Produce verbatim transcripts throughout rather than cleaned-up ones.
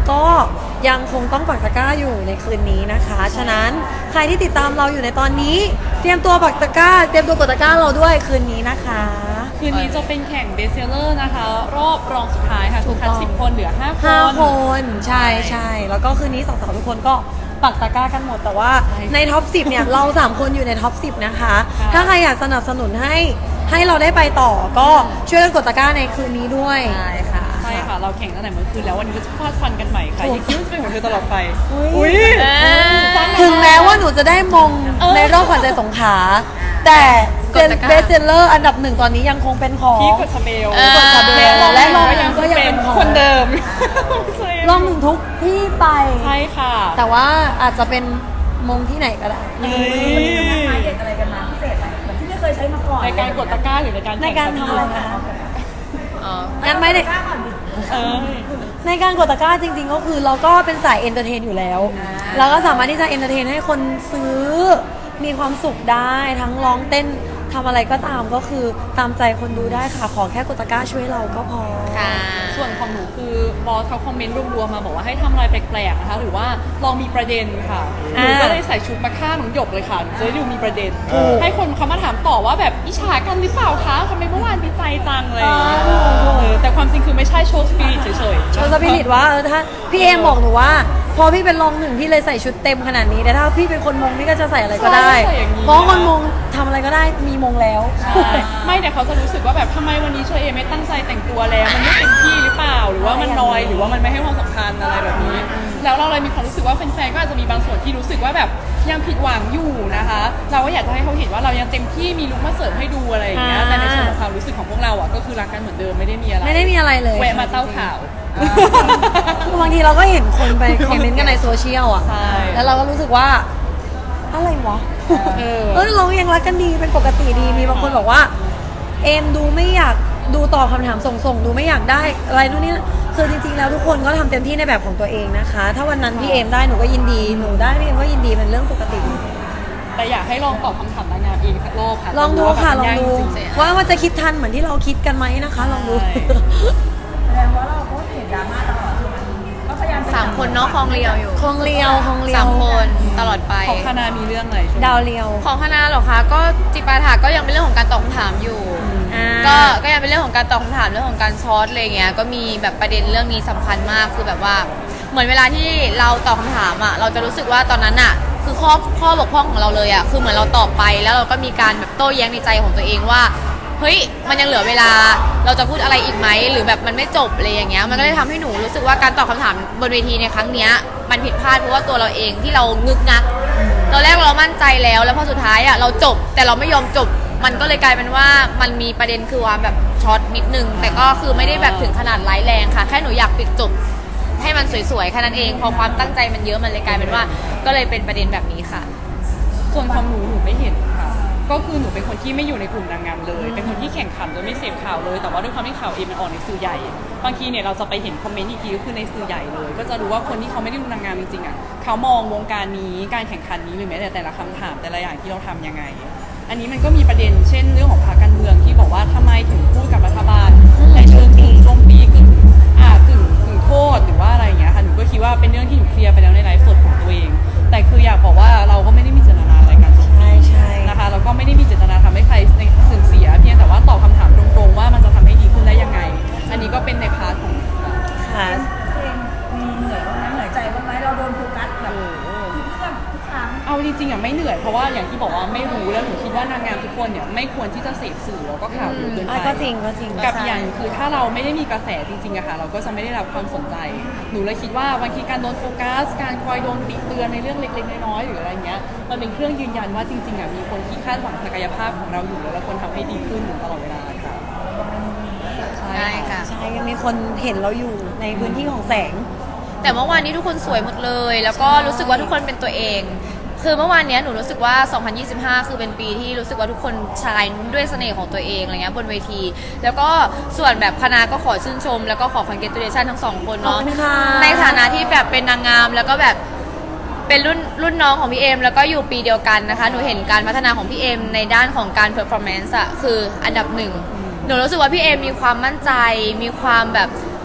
ก็ยังคงต้องปักตะกร้าอยู่ในคืนนี้นะคะฉะนั้นใครที่ติดตามเราอยู่ในตอนนี้เตรียมตัวปักตะกร้าเตรียมตัวกดตะกร้าเราด้วยคืนนี้นะคะคืนนี้จะเป็นแข่งเบสเซลเลอร์นะคะรอบรองสุดท้ายค่ะถูกคัดสิบคนเหลือห้าคนห้าคนใช่ใช่แล้วก็คืนนี้สาวๆทุกคนก็ปักตะกร้ากันหมดแต่ว่าในท็อปสิบเนี่ยเราสามคนอยู่ในท็อปสิบนะคะถ้าใครอยากสนับสนุนให้ให้เราได้ไปต่อก็ช่วยกันกดตะกร้าในคืนนี้ด้วยใช่ค่ะใช่ค่ะเราแข่งตั้งแต่เมื่อคืนแล้ววันนี้ก็จะฟาดฟันกันใหม่ค่ะอย่าคิดว่าจะเป็นของเธอตลอดไปอุ้ยถึงแม้ว่าหนูจะได้มงในรอบขวัญใจสงขลาแต่เบสเซลเลอร์อันดับหนึ่งตอนนี้ยังคงเป็นของพี่กดชาเบลกดชาเบลและรองหนึ่งก็ยังเป็นของคนเดิมรองหนึ่งทุกที่ไปใช่ค่ะแต่ว่าอาจจะเป็นมงที่ไหนก็ได้วันนี้มันนัดหมายเด็ดอะไรกันมาพิเศษไหมเหมือนที่ไม่เคยใช้มาก่อนในการกดตะกร้าหรือในการในการทำอะไรคะงั้นไม่ได้ในการกดตะกร้าจริงๆก็คือเราก็เป็นสายเอนเตอร์เทนอยู่แล้วเราก็สามารถที่จะเอนเตอร์เทนให้คนซื้อมีความสุขได้ทั้งร้องเต้นทำอะไรก็ตามก็คือตามใจคนดูได้ค่ะขอแค่กดตะกร้าช่วยเราก็พอค่ะส่วนของหนูคือบอสเขาคอมเมนต์รวมๆมาบอกว่าให้ทำอะไรแปลกๆนะคะหรือว่าลองมีประเด็นค่ะหนูก็เลยใส่ชุดมาฆ่าหนูหยกเลยค่ะจะได้ดูมีประเด็นให้คนเขามาถามต่อว่าแบบอิจฉากันหรือเปล่าคะทำไมเมื่อวานดีใจจังเลยแต่ความจริงคือไม่ใช่โชว์สปิริตเฉยๆโชว์สปิริตว่าเออถ้าพี่เอมบอกหนูว่าพอพี่เป็นรองหนึ่งพี่เลยใส่ชุดเต็มขนาดนี้แต่ถ้าพี่เป็นคนมงพี่ก็จะใส่อะไรก็ได้เพราะคนมงทำอะไรก็ได้มีมงแล้วไม่แต่เขาจะรู้สึกว่าแบบทำไมวันนี้เชอเอไม่ตั้งใจแต่งตัวแล้วมันไม่เต็มที่หรือเปล่าหรือว่ามันน้อยหรือว่ามันไม่ให้ความสำคัญอะไรแบบนี้แล้วเราเลยมีความรู้สึกว่าแฟนๆก็อาจจะมีบางส่วนที่รู้สึกว่าแบบยังผิดหวังอยู่นะคะเราก็อยากจะให้เขาเห็นว่าเรายังเต็มที่มีลุคมาเสิร์ฟให้ดูอะไรอย่างเงี้ยแต่ในส่วนของความรู้สึกของพวกเราอ่ะก็คือรักกันเหมือนเดิมไม่ได้มีอะไรไม่ได้มีอะไรเลยแวะมาเต้าข่าวคือบางทีเราก็เห็นคนไปคอมเมนต์กันในโซเชียลอ่ะแล้วเราก็รู้สึกว่าอะไรวะเออเรายังรักกันดีเป็นปกติดีมีบางคนบอกว่าเอมดูไม่อยากดูตอบคำถามส่งๆดูไม่อยากได้อะไรนู่นนี่คือจริงๆแล้วทุกคนก็ทำเต็มที่ในแบบของตัวเองนะคะถ้าวันนั้นพี่เอมได้หนูก็ยินดีหนูได้พี่เอมก็ยินดีเป็นเรื่องปกติแต่อยากให้ลองตอบคำถามนางงามเองสักรอบค่ะลองดูค่ะลองดูว่ามันจะคิดทันเหมือนที่เราคิดกันไหมนะคะลองดูแสดงว่าเราก็เห็นดราม่าตลอดก็พยายามสามคนเนาะคลองเรียวอยู่คลองเรียวคลองเรียวสามคนตลอดไปของคณะมีเรื่องอะไรดาวเรียวของคณะหรอคะก็จิปาถาก็ยังเป็นเรื่องของการตอบคำถามอยู่ก็ก็ยังเป็นเรื่องของการตอบคำถามเรื่องของการซอสอะไรเงี้ยก็มีแบบประเด็นเรื่องนี้สำคัญมากคือแบบว่าเหมือนเวลาที่เราตอบคำถามอ่ะเราจะรู้สึกว่าตอนนั้นอ่ะคือข้อข้อบกพร่องของเราเลยอ่ะคือเหมือนเราตอบไปแล้วเราก็มีการแบบโต้แย้งในใจของตัวเองว่าเฮ้ยมันยังเหลือเวลาเราจะพูดอะไรอีกไหมหรือแบบมันไม่จบอะไรอย่างเงี้ยมันก็เลยทำให้หนูรู้สึกว่าการตอบคำถามบนเวทีในครั้งเนี้ยมันผิดพลาดเพราะว่าตัวเราเองที่เรางึกงักตอนแรกเรามั่นใจแล้วแล้วพอสุดท้ายอ่ะเราจบแต่เราไม่ยอมจบมันก็เลยกลายเป็นว่ามันมีประเด็นคือว่าแบบช็อตนิดนึงแต่ก็คือไม่ได้แบบถึงขนาดร้ายแรงค่ะแค่หนูอยากปิดจบให้มันสวยๆแค่นั้นเองพอความตั้งใจมันเยอะมันเลยกลายเป็นว่าก็เลยเป็นประเด็นแบบนี้ค่ะส่วนของหนูหนูไม่เห็นค่ะก็คือหนูเป็นคนที่ไม่อยู่ในกลุ่มนางงามเลยเป็นคนที่แข่งขันโดยไม่เสพข่าวเลยแต่ว่าด้วยความที่ข่าวเองมันออกในสื่อใหญ่บางทีเนี่ยเราจะไปเห็นคอมเมนต์อีกทีก็คือในสื่อใหญ่เลยก็จะรู้ว่าคนที่เขาไม่ได้ดูนางงามจริงๆอ่ะเขามองวงการนี้การแข่งขันนี้หรือแม้แต่แต่ละคำถามแต่ละอย่างที่เราทำยังไงอันนี้มันก็มีประเด็นเช่นเรื่องของพรรคการเมืองที่บอกว่าทำไมถึงพูดกับรัฐบาลในเชิงถึงโจมตีกึ่งอ่ากึ่งกึ่งโทษหรือว่าอะไรอย่างเงี้ยค่ะหนูก็คิดว่าเป็นเรื่องที่หนูเคลียร์ไปแล้วในไลฟ์สดของตัวเองแต่คืออยากบอกว่าเราก็ไม่ได้มีเจตนาอะไรกันใช่ใช่นะคะแล้วก็ไม่ได้มีเจตนาทำให้ใครเสื่อมเสียเพียงแต่ว่าตอบคำถามตรงๆว่ามันจะทำให้ดีขึ้นได้ยังไงอันนี้ก็เป็นในพาร์ทของค่ะมีเหนื่อยบ้างไหมเหนื่อยใจบ้างไหมเราโดนโฟกัสแบบทุกครั้งเอาจริงๆอ่ะไม่เหนื่อยเพราะว่าอย่างที่บอกว่าไม่รู้แล้วหนูคิดว่านางงามทุกคนเนี่ยไม่ควรที่จะเสพสื่อแล้วก็ข่าวเกินไปก็จริงก็จริงกับอย่างคือถ้าเราไม่ได้มีกระแสจริงๆอะค่ะเราก็จะไม่ได้รับความสนใจหนูเลยคิดว่าบางทีการโดนโฟกัสการคอยโดนติเตือนในเรื่องเล็กๆน้อยๆหรืออะไรเงี้ยมันเป็นเครื่องยืนยันว่าจริงๆอะมีคนที่คาดหวังศักยภาพของเราอยู่แล้วควรทำให้ดีขึ้นตลอดเวลาค่ะใช่ค่ะใช่ยังมีคนเห็นเราอยู่ในพื้นที่ของแสงแต่เมื่อวานนี้ทุกคนสวยหมดเลยแล้วก็รู้สึกว่าทุกคนเป็นตัวเองคือเมื่อวานนี้หนูรู้สึกว่าสองพันยี่สิบห้าคือเป็นปีที่รู้สึกว่าทุกคนชายด้วยเสน่ห์ของตัวเองอะไรเงี้ยบนเวทีแล้วก็ส่วนแบบคณะก็ขอชื่นชมแล้วก็ขอ congratulation ทั้งสองคนเนาะในฐานะที่แบบเป็นนางงามแล้วก็แบบเป็นรุ่นรุ่นน้องของพี่เอมแล้วก็อยู่ปีเดียวกันนะคะหนูเห็นการพัฒนาของพี่เอมในด้านของการ performance อะคืออันดับหนึ่งหนูรู้สึกว่าพี่เอมมีความมั่นใจมีความแบบ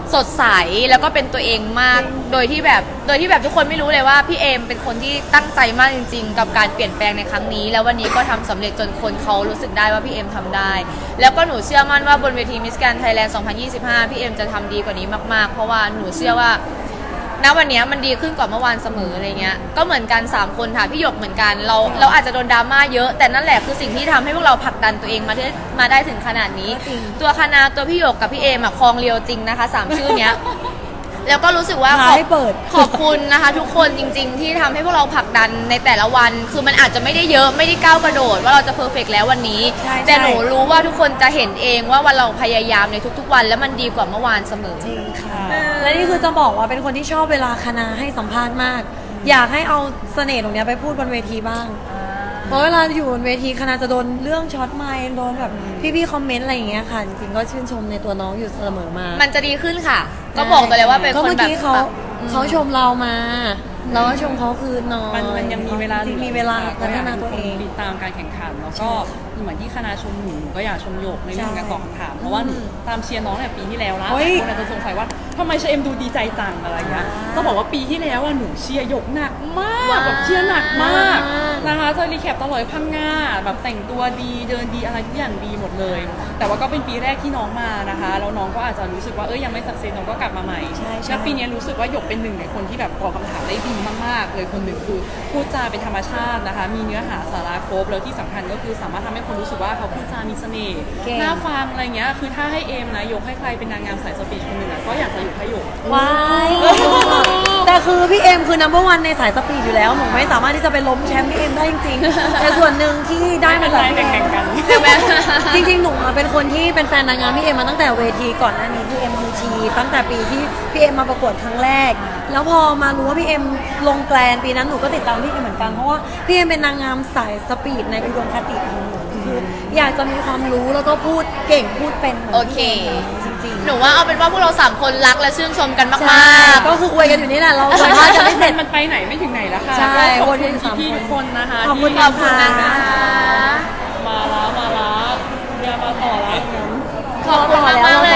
สดใสแล้วก็เป็นตัวเองมากโดยที่แบบโดยที่แบบทุกคนไม่รู้เลยว่าพี่เอมเป็นคนที่ตั้งใจมากจริงๆกับการเปลี่ยนแปลงในครั้งนี้แล้ววันนี้ก็ทำสำเร็จจนคนเขารู้สึกได้ว่าพี่เอมทำได้แล้วก็หนูเชื่อมั่นว่าบนเวที Miss Grand Thailand สองพันยี่สิบห้าพี่เอมจะทำดีกว่านี้มากๆเพราะว่าหนูเชื่อว่าณวันนี้มันดีขึ้นกว่าเมื่อวานเสมออะไรเงี้ยก็เหมือนกันสามคนค่ะพี่หยกเหมือนกันเราเราอาจจะโดนดราม่าเยอะแต่นั่นแหละคือสิ่งที่ทำให้พวกเราผลักดันตัวเองมาได้มาได้ถึงขนาดนี้ตัวคณะตัวพี่หยกกับพี่เอมอะคลองเรียวจริงนะคะสามชื่อเนี้ยแล้วก็รู้สึกว่าขอบให้เปิดขอบคุณนะคะทุกคนจริง ๆ ที่ทำให้พวกเราผลักดันในแต่ละวัน คือมันอาจจะไม่ได้เยอะไม่ได้ก้าวกระโดดว่าเราจะเพอร์เฟกต์แล้ววันนี้ใช่แต่หนูรู้ว่าทุกคนจะเห็นเองว่าวันเราพยายามในทุกๆวัน แล้วมันดีกว่าเมื่อวานเสมอจริงค่ะค่ะและนี่คือจะบอกว่าเป็นคนที่ชอบเวลาคณะให้สัมภาษณ์มาก อยากให้เอาเสน่ห์ตรงเนี้ยไปพูดบนเวทีบ้าง เพราะเวลาอยู่บนเวทีคณะจะโดนเรื่องช็อตไมค์โดนแบบพี่ๆคอมเมนต์อะไรอย่างเงี้ยค่ะ จริงๆก็ชื่นชมในตัวน้องอยู่เสมอมามันจะดีขึ้นค่ะ ก็บอกตัวเลยว่าเป็นก็คนเมื่อแบบกี้เขาแบบเขาชมเรามาเราก็ชมเขาคืนหน้อยมันมันยังมีเวลาจริงๆมีเวลาพัฒนาตัวเองติดตามการแข่งขันแล้วก็เหมือนที่คณะชมหนูก็อยากชมหยกในเรื่องการตอบคำถามเพราะว่าหนูตามเชียร์น้องเนี่ยปีที่แล้วละเฮ้ยคนอาจจะสงสัยว่าทำไมเชเอ็มดูดีใจจังอะไรเงี้ยก็บอกว่าปีที่แล้วอ่ะหนูเชียร์หยกหนักมากแบบเชียร์หนักมากนะคะจะรีแคปตลอดพังงาแบบแต่งตัวดีเดินดีอะไรทุกอย่างดีหมดเลย แต่ว่าก็เป็นปีแรกที่น้องมานะคะแล้วน้องก็อาจจะรู้สึกว่าเอ้ยยังไม่สักเซสน้องก็กลับมาใหม่ใช่ใช่แล้วปีนี้รู้สึกว่าหยกเป็นหนึ่งในคนที่แบบตอบคำถามได้ดีมากๆเลยคนหนึ่งคือพูดจาเป็นธรรมชาตินะคะ มีเนื้อหาสาระครบแล้วที่สำคัญก็คือสามารถทำให้คนรู้สึกว่าเขาพูดจามีเสน่ห์เก่งน่าฟังอะไรเงี้ยคือถ้าให้เอมนะยกให้ใครเป็นนางงามสายสปีดคนหนึ่งอะก็อยากจะอยู่ให้หยกว้ายแต่คือพี่เอ็มคือ number one ในสายสปีดอยู่แล้วหนูไม่สามารถที่จะไปล้มแชมป์พี่เอ็มได้จริงๆ แต่ส่วนหนึ่งที่ได้มาจากพี่ไม่เอ็เป็นไรแข่งๆกันจริงๆหนูอะเป็นคนที่เป็นแฟนนางงามพี่เอ็มมาตั้งแต่เวทีก่อนหน้านี้พี่เอ็มยูทีตั้งแต่ปีที่พี่เอ็มมาประกวดครั้งแรก แล้วพอมารู้ว่าพี่เอ็มลงแกลนปีนั้นหนูก็ติดตามพี่เอ็มเหมือนกันเพราะว่าพี่เอ็มเป็นนางงามสายสปีดในอุดมคติของหนูคืออยากจะมีความรู้แล้วก็พูดเก่งพูดเป็นหมืนโอเคจริงๆหนูว่าเอาเป็นว่าพวกเราสามคนรักและชื่นชมกันใช่มากๆก็คืออวยกันอยู่นี่แหละเราอวยว่าจะไม่เสร็จมันไปไหนไม่ถึงไหนแล้วค่ะใช่ก็ขอบวนคุกัณนสามพี่ๆคนทุกคนนะคะขอบคุณที่ขอบคุณนะคะมาละมาละอย่ามาต่อแล้วงั้นขอบคุณมากๆเลย